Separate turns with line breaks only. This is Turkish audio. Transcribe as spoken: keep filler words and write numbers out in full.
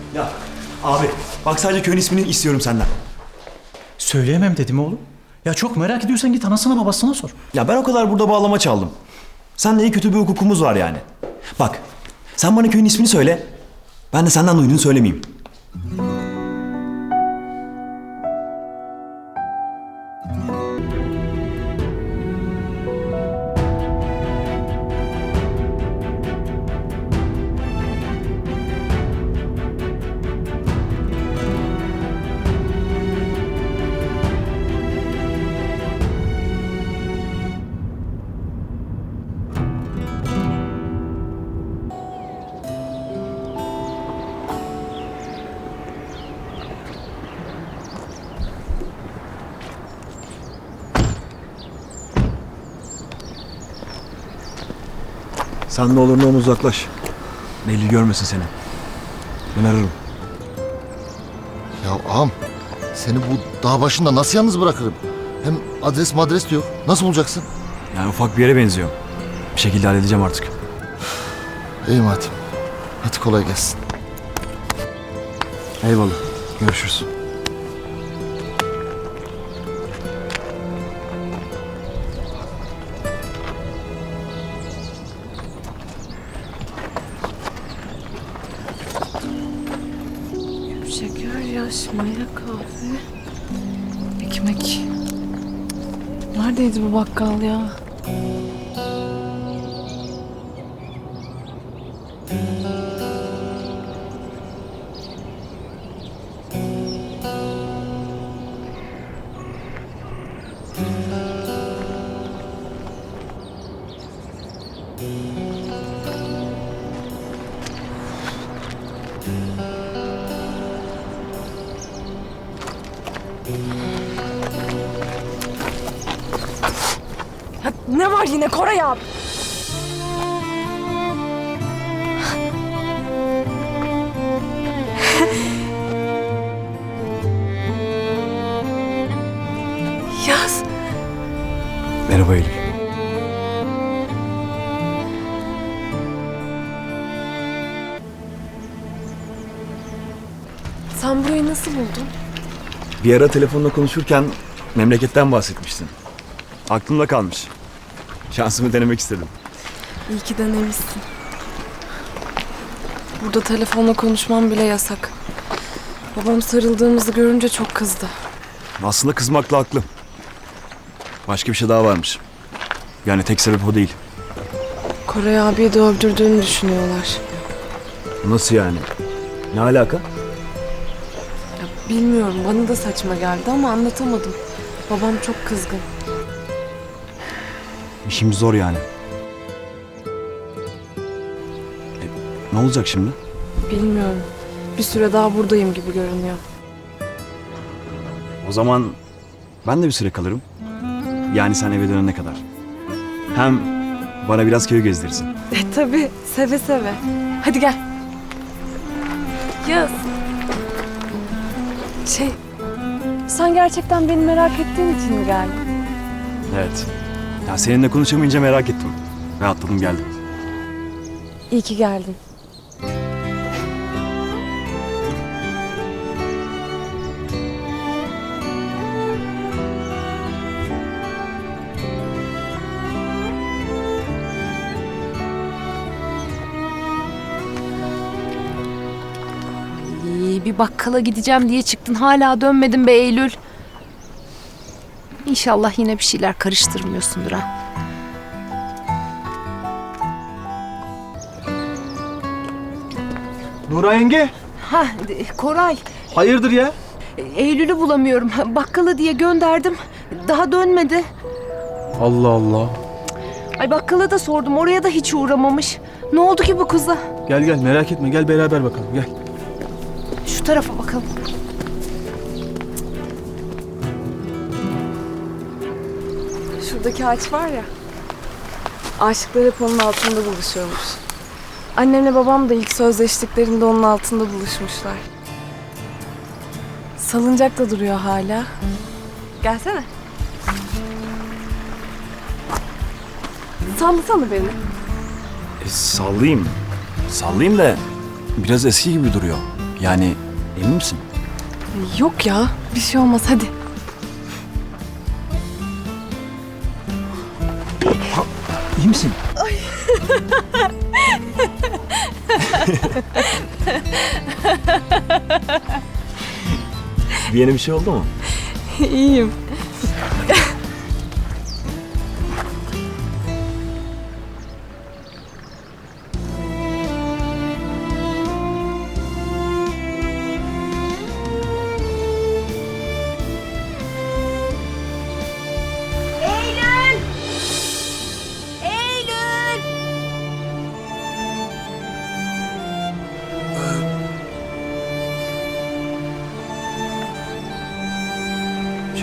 Ya abi bak sadece köyün ismini istiyorum senden.
Söyleyemem dedim oğlum. Ya çok merak ediyorsan git anasına babasına sor.
Ya ben o kadar burada bağlama çaldım. Seninle iyi kötü bir hukukumuz var yani. Bak sen bana köyün ismini söyle. Ben de senden duyduğunu söylemeyeyim. Sen ne olur ne olur uzaklaş. Belli görmesin seni. Ben ararım.
Ya ağam, seni bu dağ başında nasıl yalnız bırakırım? Hem adres madres de yok. Nasıl bulacaksın?
Yani ufak bir yere benziyor. Bir şekilde halledeceğim artık.
İyi madem. Hadi kolay gelsin.
Eyvallah. Görüşürüz.
Şeker, yaş, maya, kahve, ekmek. Neredeydi bu bakkal ya? Ya ne var yine Koray abi? Yaz.
Merhaba Eylül.
Sen burayı nasıl buldun?
Bir ara telefonla konuşurken memleketten bahsetmiştin. Aklımda kalmış. Şansımı denemek istedim.
İyi ki denemişsin. Burada telefonla konuşmam bile yasak. Babam sarıldığımızı görünce çok kızdı.
Aslında kızmakla haklı. Başka bir şey daha varmış. Yani tek sebep o değil.
Koray abiyi de öldürdüğünü düşünüyorlar.
Nasıl yani? Ne alaka?
Ya bilmiyorum, bana da saçma geldi ama anlatamadım. Babam çok kızgın.
İşimiz zor yani. E, ne olacak şimdi?
Bilmiyorum. Bir süre daha buradayım gibi görünüyor.
O zaman ben de bir süre kalırım. Yani sen eve dönene kadar. Hem bana biraz köy gezdirirsin.
E tabii, seve seve. Hadi gel. Yaz. Şey, sen gerçekten beni merak ettiğin için mi geldin?
Evet. Ya seninle konuşamayınca merak ettim. Ve atladım geldim.
İyi ki geldin.
Ay, bir bakkala gideceğim diye çıktın, hala dönmedin be Eylül. İnşallah yine bir şeyler karıştırmıyorsundur ha.
Nura yenge,
Ha Koray,
hayırdır ya?
Eylül'ü bulamıyorum. Bakkala diye gönderdim. Daha dönmedi.
Allah Allah.
Ay bakkala da sordum, oraya da hiç uğramamış. Ne oldu ki bu kıza?
Gel gel merak etme, gel beraber bakalım gel.
Şu tarafa bakalım.
Şuradaki ağaç var ya. Aşıklar hep onun altında buluşuyormuş. Annemle babam da ilk sözleştiklerinde onun altında buluşmuşlar. Salıncak da duruyor hala. Gelsene. Sallasana beni.
E, sallayayım. Sallayayım da biraz eski gibi duruyor. Yani emin misin?
Yok ya, bir şey olmaz hadi.
İyi misin? bir yeni bir şey oldu mu?
İyiyim.
Eylül! Eylül!
Şey.